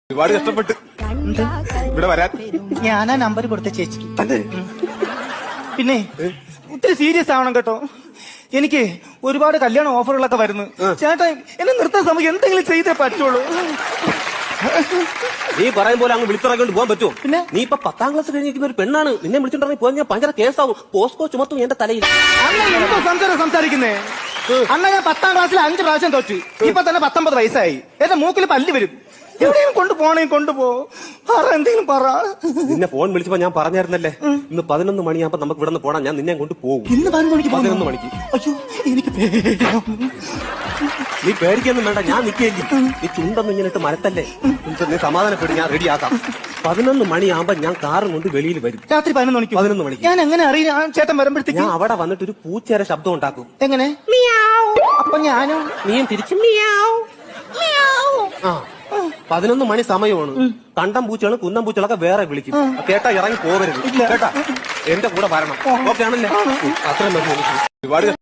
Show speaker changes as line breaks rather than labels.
ഒരുപാട് കഷ്ടപ്പെട്ട് ഇവിടെ വരാൻ
ഞാനാ നമ്പർ കൊടുത്ത ചേച്ചിക്ക്. പിന്നെ ഒത്തിരി സീരിയസ് ആവണം കേട്ടോ. എനിക്ക് ഒരുപാട് കല്യാണ ഓഫറുകളൊക്കെ വരുന്നു. ചേട്ടാ എന്നെ നിർത്താൻ സമയം എന്തെങ്കിലും ചെയ്തേ പറ്റുള്ളൂ.
നീ പറയും പോലെ അങ്ങ് വിളിച്ചിറങ്ങിട്ട് പോകാൻ പറ്റുമോ?
പിന്നെ
നീ ഇപ്പൊ 10ാം ക്ലാസ് കഴിഞ്ഞിരിക്കുന്ന ഒരു പെണ്ണാണ്. നിന്നെ വിളിച്ചിട്ടുണ്ടെങ്കിൽ പോയി ഞാൻ ഭയങ്കര കേസാവും. പോസ്കോ ചുമത്തും എന്റെ തലയിൽ.
അണ്ണ എന്തോ സംസാരിക്കുന്നേ? അണ്ണ ഞാൻ 10ാം ക്ലാസ്സിൽ 5 പ്രാവശ്യം തോറ്റു. ഇപ്പൊ തന്നെ 19 വയസ്സായി. എന്റെ മൂക്കിൽ പല്ല് വരും. എവിടെയും കൊണ്ടുപോണേ കൊണ്ടുപോ. പറ എന്തെങ്കിലും പറ.
നിന്നെ ഫോൺ വിളിച്ചപ്പോ ഞാൻ പറഞ്ഞായിരുന്നല്ലേ ഇന്ന് 11 മണിയാകുമ്പോ നമുക്ക് ഇവിടെ നിന്ന് പോണം. ഞാൻ നിന്നെ കൊണ്ട് പോകും.
ഇന്ന് 11
മണിക്ക്.
അയ്യോ എനിക്ക് പേടിയാവും.
നീ പേടിക്കൊന്നും വേണ്ട, ഞാൻ നിൽക്കേണ്ടി. നീ ചുണ്ടൊന്നും ഇങ്ങനെ ഇട്ട് മരത്തല്ലേ. നീ സമാധാനപ്പെട്ട് ഞാൻ റെഡിയാക്കാം. 11 മണിയാകുമ്പോ ഞാൻ കാറും കൊണ്ട് വെളിയിൽ വരും.
രാത്രി 11 മണിക്ക്. ഞാൻ എങ്ങനെ അറിയാം ചേട്ടൻ വരുമ്പോഴത്തേക്ക്?
ഞാൻ അവിടെ വന്നിട്ട് ഒരു പൂച്ചേരെ ശബ്ദം ഉണ്ടാക്കും.
എങ്ങനെ? അപ്പൊ ഞാനും
നീയും തിരിച്ചും ആ 11 മണി സമയമാണ്. കണ്ടം പൂച്ചകളും കുന്നം പൂച്ചകളൊക്കെ വേറെ വിളിക്കും. കേട്ടാ ഇറങ്ങി പോകരുത് കേട്ടാ. എന്റെ കൂടെ വരണം. ഓക്കെ ആണല്ലേ? അത്രയും മതി.
ഒരുപാട്